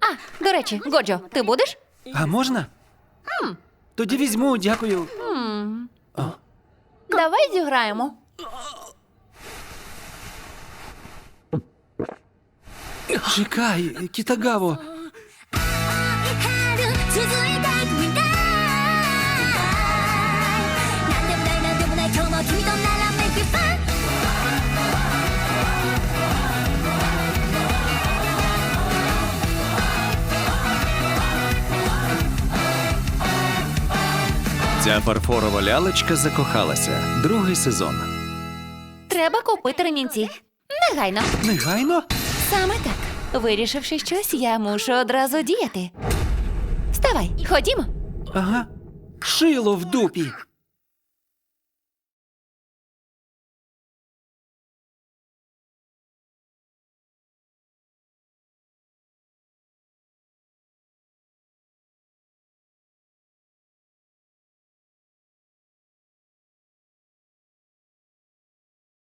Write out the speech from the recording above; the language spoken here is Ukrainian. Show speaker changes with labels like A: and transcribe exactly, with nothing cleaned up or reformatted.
A: А, до речі, Годжо, ти будеш?
B: А можна? Тоді візьму, дякую.
A: Давай зіграємо.
B: Чекай, Кітагаво.
C: 春続いていくみたいなんでもないなんでもない今日も君となら Make it fun
B: Ця фарфорова лялечка закохалася. Другий сезон.
A: Треба купити ремінці. Негайно.
B: Негайно?
A: Саме так. Вирішивши щось, я мушу одразу діяти. Вставай, ходімо.
B: Ага. Шило в дупі.